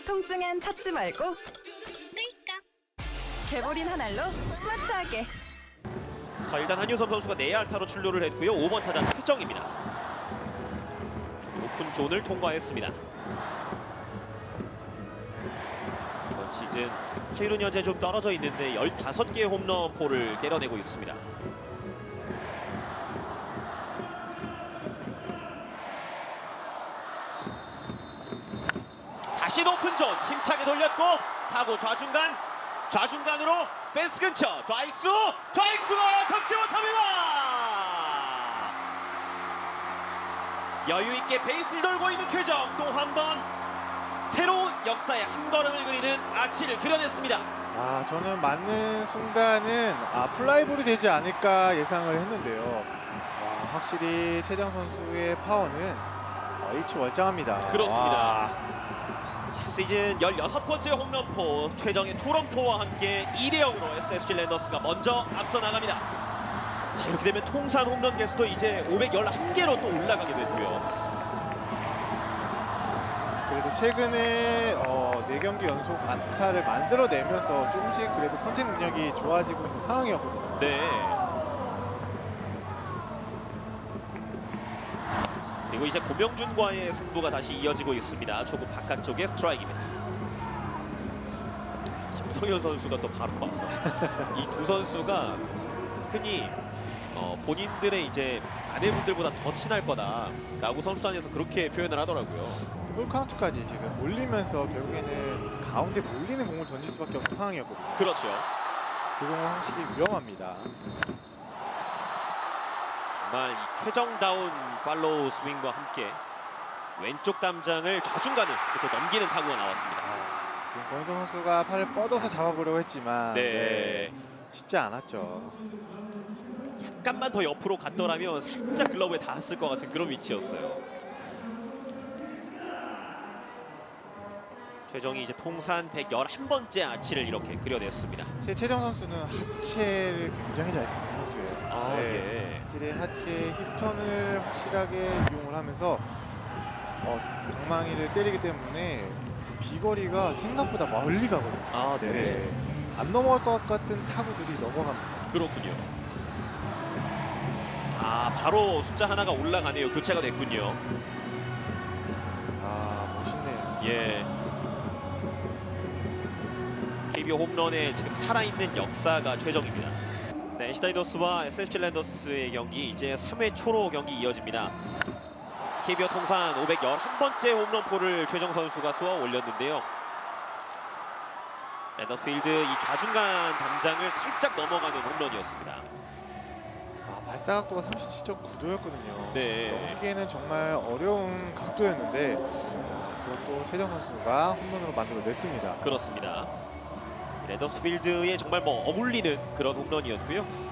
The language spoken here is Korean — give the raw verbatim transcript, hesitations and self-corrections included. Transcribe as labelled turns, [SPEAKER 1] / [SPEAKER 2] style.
[SPEAKER 1] 통증엔 찾지 말고 끌까? 개보린 한 알로 스마트하게.
[SPEAKER 2] 자, 일단 한유섬 선수가 내야 안타로 출루를 했고요. 오 번 타자 최정입니다. 오픈 존을 통과했습니다. 이번 시즌 타율은 현재 좀 떨어져 있는데 열다섯 개의 홈런포를 때려내고 있습니다. 다시 높은 존 힘차게 돌렸고 타고 좌중간 좌중간으로 펜스 근처 좌익수 좌익수가 잡지 못합니다. 여유있게 베이스를 돌고 있는 최정 또 한 번 새로운 역사의 한 걸음을 그리는 아치를 그려냈습니다.
[SPEAKER 3] 아, 저는 맞는 순간은 아, 플라이볼이 되지 않을까 예상을 했는데요. 와, 확실히 최정 선수의 파워는 어, 일치월장합니다.
[SPEAKER 2] 그렇습니다.
[SPEAKER 3] 와,
[SPEAKER 2] 자, 시즌 열여섯 번째 홈런포 최정의 투런포와 함께 이 대 영으로 에스에스지 랜더스가 먼저 앞서 나갑니다. 자, 이렇게 되면 통산 홈런 개수도 이제 오백십일 개로 또 올라가게 되고요.
[SPEAKER 3] 그래도 최근에 어, 네 경기 연속 안타를 만들어내면서 조금씩 그래도 컨택 능력이 좋아지고 있는 상황이었거든요.
[SPEAKER 2] 네. 그리고 이제 고명준과의 승부가 다시 이어지고 있습니다. 초구 바깥쪽의 스트라이크입니다. 김성현 선수가 또 바로 와서 이 두 선수가 흔히 어, 본인들의 이제 아내분들보다 더 친할 거다라고 선수단에서 그렇게 표현을 하더라고요.
[SPEAKER 3] 풀 카운트까지 지금 올리면서 결국에는 가운데 몰리는 공을 던질 수밖에 없는 상황이었거든요.
[SPEAKER 2] 그렇죠.
[SPEAKER 3] 그 공은 확실히 위험합니다.
[SPEAKER 2] 정말 이 최정다운 팔로우 스윙과 함께 왼쪽 담장을 좌중간을 또 넘기는 타구가 나왔습니다.
[SPEAKER 3] 아, 지금 권희동 선수가 팔을 뻗어서 잡아보려고 했지만
[SPEAKER 2] 네.
[SPEAKER 3] 네, 쉽지 않았죠.
[SPEAKER 2] 약간만 더 옆으로 갔더라면 살짝 글러브에 닿았을 것 같은 그런 위치였어요. 최정이 이제 통산 백십일 번째 아치를 이렇게 그려냈습니다.
[SPEAKER 3] 제 최정 선수는 하체를 굉장히 잘 쓰는 선수예요.
[SPEAKER 2] 아,
[SPEAKER 3] 네.
[SPEAKER 2] 예.
[SPEAKER 3] 확실히 하체 힙턴을 확실하게 이용을 하면서 어, 방망이를 때리기 때문에 비거리가 생각보다 멀리 가거든요.
[SPEAKER 2] 아, 네.
[SPEAKER 3] 네. 안 넘어갈 것 같은 타구들이 넘어갑니다.
[SPEAKER 2] 그렇군요. 아, 바로 숫자 하나가 올라가네요. 교체가 됐군요.
[SPEAKER 3] 아, 멋있네요.
[SPEAKER 2] 예. 케이비오 홈런에 지금 살아있는 역사가 최정입니다. 네, 엔씨 다이노스와 에스에스지 랜더스의 경기 이제 삼 회 초로 경기 이어집니다. 케이비오 통산 오백십일 번째 홈런포를 최정 선수가 쏘아 올렸는데요. 랜더필드 이 좌중간 담장을 살짝 넘어가는 홈런이었습니다.
[SPEAKER 3] 아, 발사각도가 삼십칠 점 구 도였거든요.
[SPEAKER 2] 네.
[SPEAKER 3] 넘기기에는 정말 어려운 각도였는데 아, 그것도 최정 선수가 홈런으로 만들어냈습니다.
[SPEAKER 2] 그렇습니다. 랜더스필드에 정말 뭐 어울리는 그런 홈런이었고요.